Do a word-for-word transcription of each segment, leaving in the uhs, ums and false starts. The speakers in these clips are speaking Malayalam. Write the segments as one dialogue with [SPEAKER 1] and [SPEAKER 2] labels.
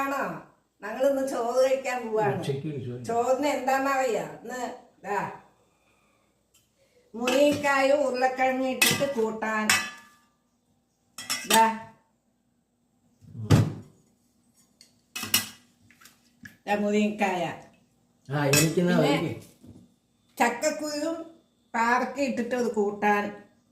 [SPEAKER 1] സുഖാണോ? ഞങ്ങളിന്ന് ചോറ് കഴിക്കാൻ പോവാണ്. ചോറിന് എന്താന്നറിയാ? ഇന്ന് ഇതാ മുരിങ്ങക്കായും ഉരുളക്കിഴങ്ങ് ഇട്ടിട്ട് കൂട്ടാൻ. ഇതാ മുരിങ്ങക്കായ, ചക്കക്കുരും പാവക്ക ഇട്ടിട്ട് അത് കൂട്ടാൻ.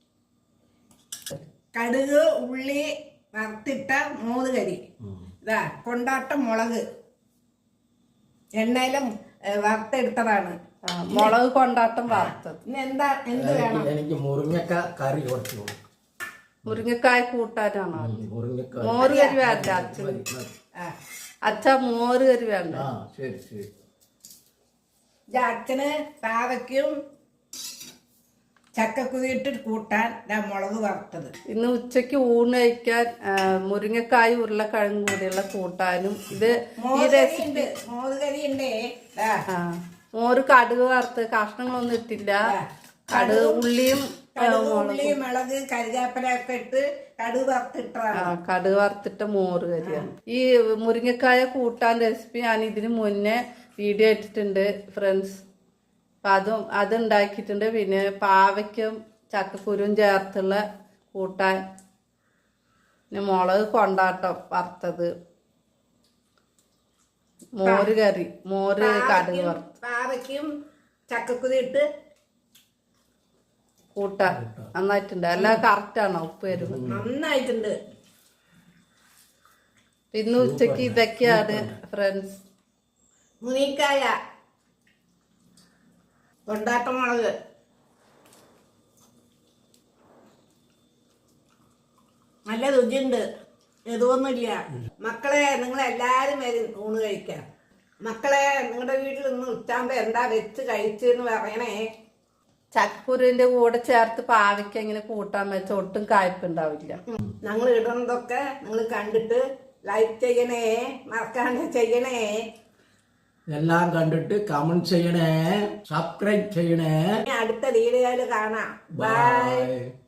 [SPEAKER 1] കടുക് ഉള്ളി വറുത്തിട്ട മൂന്ന് കരി. ഇതാ കൊണ്ടാട്ടം മുളക് എണ്ണയിലും വറുത്തെടുത്തതാണ്.
[SPEAKER 2] മുളക് കൊണ്ടാട്ടം വറുത്തത്.
[SPEAKER 1] ഇനി എന്താ എന്ത് വേണം?
[SPEAKER 3] എനിക്ക് മുരിങ്ങക്കായ കറി കുറച്ച്.
[SPEAKER 2] മുരിങ്ങക്കായ കൂട്ടാനാണോ? മോര് കറി വേണ്ട അച്ഛൻ. അച്ഛ മോര് കറി വേണ്ട.
[SPEAKER 3] ശരി ശരി.
[SPEAKER 1] അച്ഛന് പാവയ്ക്കും ചക്കക്കുരി ഇട്ടിട്ട് കൂട്ടാൻ മുളക് വറുത്തത്.
[SPEAKER 2] ഇന്ന് ഉച്ചക്ക് ഊണ് കഴിക്കാൻ മുരിങ്ങക്കായ ഉരുളക്കിഴങ്ങും കൂടിയുള്ള കൂട്ടാനും. ഇത് ഈ റെസിപ്പി
[SPEAKER 1] മോര് കറി ഉണ്ടേ.
[SPEAKER 2] മോര് കടുക് വറുത്ത് കഷ്ണങ്ങളൊന്നും ഇട്ടില്ല. കടുക് ഉള്ളിയും
[SPEAKER 1] ഉള്ളിയും മുളക് കരിവേപ്പില ഒക്കെ ഇട്ട് കടുക് വറുത്തിട്ടാണ്.
[SPEAKER 2] കടുക് വറുത്തിട്ട മോര് കറിയാണ്. ഈ മുരിങ്ങക്കായ കൂട്ടാൻ റെസിപ്പി ഞാൻ ഇതിന് മുന്നേ വീഡിയോ ഇട്ടിട്ടുണ്ട് ഫ്രണ്ട്സ്. അപ്പം അതും അതുണ്ടാക്കിയിട്ടുണ്ട്. പിന്നെ പാവയ്ക്കും ചക്കക്കുരും ചേർത്തുള്ള കൂട്ടാൻ, പിന്നെ മുളക് കൊണ്ടാട്ടം വറുത്തത്, മോര് കറി, മോര് കടുക് വറുത്ത്,
[SPEAKER 1] പാവയ്ക്കും ചക്കക്കുരി ഇട്ട്
[SPEAKER 2] കൂട്ടാൻ നന്നായിട്ടുണ്ട്. എല്ലാം കറക്റ്റാണോ? ഉപ്പ് വരുമ്പോ
[SPEAKER 1] നന്നായിട്ടുണ്ട്.
[SPEAKER 2] ഇന്ന് ഉച്ചക്ക് ഇതൊക്കെയാണ് ഫ്രണ്ട്സ്.
[SPEAKER 1] മുരിങ്ങക്കായ, കൊണ്ടാട്ടം മുളക്, നല്ല രുചിയുണ്ട്. എതുവൊന്നുമില്ല. മക്കളെ, നിങ്ങളെല്ലാരും വരും ഊണ് കഴിക്കാം. മക്കളെ, നിങ്ങളുടെ വീട്ടിൽ ഇന്ന് ഉച്ചാകുമ്പോ എന്താ വെച്ച് കഴിച്ചെന്ന് പറയണേ.
[SPEAKER 2] ചക്കക്കുരുവിന്റെ കൂടെ ചേർത്ത് പാവയ്ക്ക ഇങ്ങനെ കൂട്ടാൻ വെച്ച ഒട്ടും കായ്പുണ്ടാവില്ല.
[SPEAKER 1] ഞങ്ങൾ ഇടുന്നതൊക്കെ നിങ്ങൾ കണ്ടിട്ട് ലൈക്ക് ചെയ്യണേ, മറക്കാണ്ട് ചെയ്യണേ.
[SPEAKER 3] എല്ലാം കണ്ടിട്ട് കമന്റ് ചെയ്യണേ, സബ്സ്ക്രൈബ് ചെയ്യണേ.
[SPEAKER 1] അടുത്ത വീഡിയോയിൽ കാണാം. ബൈ.